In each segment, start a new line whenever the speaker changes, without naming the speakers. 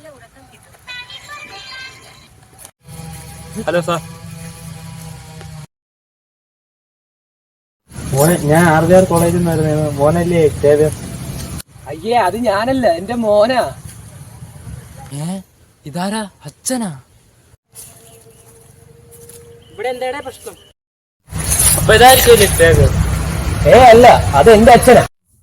Hello sir.
മോനെ, ഞാൻ R കോളേജിൽ നിന്നായിരുന്നു. മോനല്ലേ സേവ്യർ?
അയ്യേ, അത് ഞാനല്ല, എന്റെ മോനാ.
ഇതാരാ? അച്ഛനാ?
ഇവിടെ എന്താ പ്രശ്നം?
അപ്പൊ ഇതായിരിക്കും സേവ്യർ?
അല്ല, അത് എന്റെ അച്ഛനാ.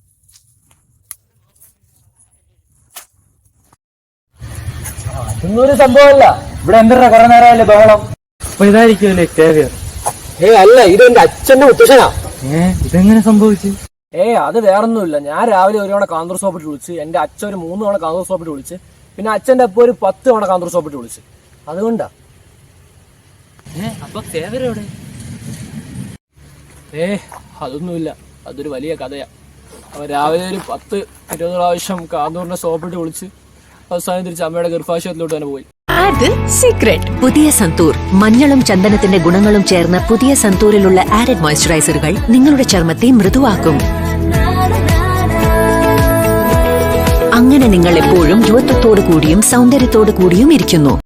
അതൊന്നും ഒരു സംഭവമല്ല. ഇവിടെ എന്താ കുറെ നേരമല്ലേ ബഹളം?
അപ്പൊ ഇതായിരിക്കും സേവ്യർ?
അല്ല, ഇത് എന്റെ അച്ഛന്റെ മുത്തശ്ശനാ.
ഇതെങ്ങനെ സംഭവിച്ചു?
അത് വേറൊന്നുമില്ല. ഞാൻ രാവിലെ ഒരു തവണ കാന്തൂർ സോപ്പിട്ട് വിളിച്ച്, എന്റെ അച്ഛൻ ഒരു 3 തവണ കാന്തൂർ സോപ്പിട്ട് വിളിച്ച്, പിന്നെ അച്ഛന്റെ അപ്പൊ ഒരു 10 തവണ കാന്തൂർ സോപ്പിട്ട് വിളിച്ച്. അതുകൊണ്ടാ.
അപ്പൊ സേവ്യർ എവിടെ?
അതൊന്നുമില്ല. അതൊരു വലിയ കഥയാ. അവൻ രാവിലെ ഒരു 10-20 പ്രാവശ്യം കാന്തൂറിനെ സോപ്പിട്ട് വിളിച്ച് അവസാനം തിരിച്ച് അമ്മയുടെ ഗർഭാശയത്തിലോട്ട് തന്നെ പോയി.
സീക്രട്ട് പുതിയ സന്തൂർ മഞ്ഞളും ചന്ദനത്തിന്റെ ഗുണങ്ങളും ചേർന്ന പുതിയ സന്തൂരിലുള്ള ആഡഡ് മോയ്സ്ചറൈസറുകൾ നിങ്ങളുടെ ചർമ്മത്തെ മൃദുവാക്കും. അങ്ങനെ നിങ്ങൾ എപ്പോഴും യുവത്വത്തോടു കൂടിയും സൗന്ദര്യത്തോടു കൂടിയും ഇരിക്കുന്നു.